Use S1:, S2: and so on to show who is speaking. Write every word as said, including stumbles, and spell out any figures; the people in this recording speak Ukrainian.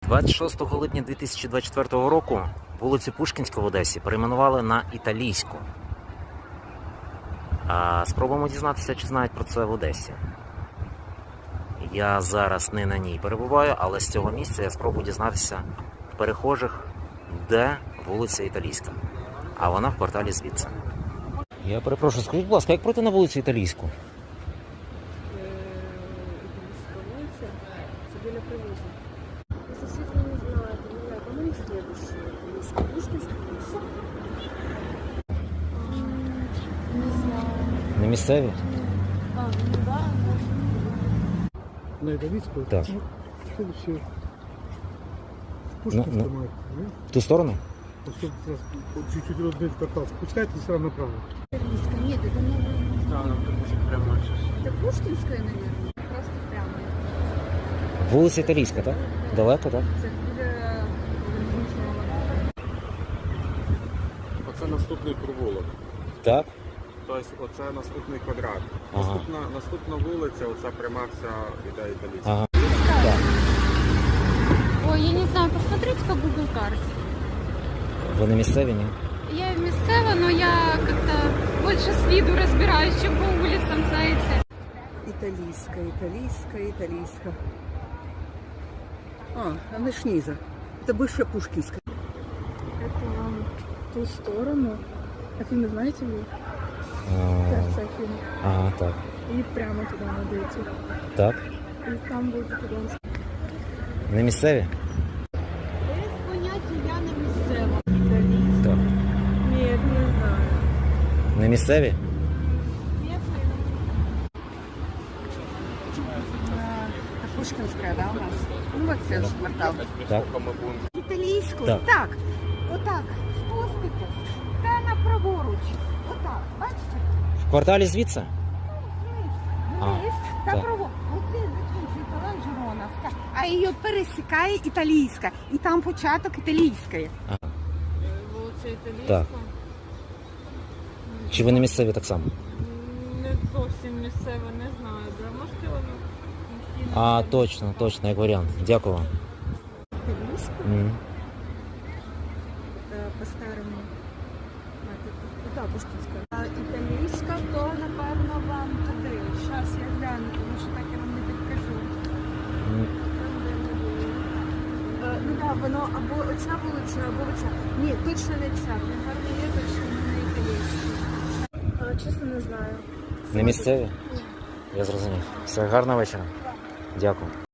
S1: двадцять шостого липня дві тисячі двадцять четвертого року вулицю Пушкінську в Одесі перейменували на Італійську. А спробуємо дізнатися, чи знають про це в Одесі. Я зараз не на ній перебуваю, але з цього місця я спробую дізнатися в перехожих, де вулиця Італійська. А вона в кварталі звідси. Я перепрошую, скажіть, будь ласка, як пройти на вулицю Італійську?
S2: Итальянская улица, это біля привоза. Если честно, не знаю, это не я, по-моему, следующая. Есть Пушкинская улица. Не знаю.
S1: На місцеві?
S2: А, ну да.
S3: На Италийскую?
S1: Так.
S3: Ну, следующее. Пушкинская,
S1: Ну, ну.
S3: моя,
S1: В ту сторону?
S3: вот тут сразу вот чуть-чуть родной квартал спускается и сразу направо.
S2: Итальянская, нет, это не...
S3: Да, нам прямо сейчас.
S2: Это Пушкинская, наверное. Просто прямо.
S1: Вулиця Італійська, так? Далеко, так?
S2: Це біля Вуличного.
S4: Оце наступний провулок.
S1: Так.
S4: Тобто оце наступний квадрат.
S1: Ага.
S4: Наступна, наступна вулиця, оця пряма вся іде Італійська.
S1: Ага.
S5: Ой, я не знаю, посмотрите по Google карте.
S1: Ви не місцеві, ні?
S5: Я местева, но я как-то больше с виду разбираюсь, чем по улицам, знаете.
S6: Италийская, италийская, италийская. А, она ж низа. Это бывшая Пушкинская.
S2: Это вам в ту сторону. Афины знаете ли?
S1: А,
S2: Сердце Афины.
S1: Ага, так.
S2: И прямо туда надо идти.
S1: Так.
S2: И там будет Итальянская.
S1: Не місцеві?
S2: Без поняття я не місцева.
S1: Так.
S2: Нет, не знаю.
S1: Не місцеві?
S6: Это Пушкинская, да, у нас? Ну вот следующий квартал.
S1: Так.
S6: Италийскую?
S1: Так.
S6: Так. Отак. Спустите. Та на праворуч. Отак. Бачите?
S1: В кварталі звідси? А,
S6: Вниз. Та
S1: так.
S6: праворуч. Оце закінчується Ланжероновська. А її пересікає італійська. І там початок італійської.
S2: Вулиця Італійська.
S1: Так. Чи ви не місцеві так само?
S2: Не зовсім місцева, не знаю. Да, можете вам...
S1: А, точно, точно, як варіант. Дякую вам.
S2: Італійська?
S1: Мгм.
S2: Е, по-старому. А, тут, тут, да, Пушкінська. А італійська, то, напевно, вам туди. Зараз я гляну, тому що так я вам не підкажу.
S1: М,
S2: Там, де ми були. Е, Ну так, воно або оця вулиця, або оця. Ні, точно не ця. Не гарно є, точно не італійська. Чесно, не знаю.
S1: Не місцеві? Я зрозумів. Все, гарного вечора. Дякую.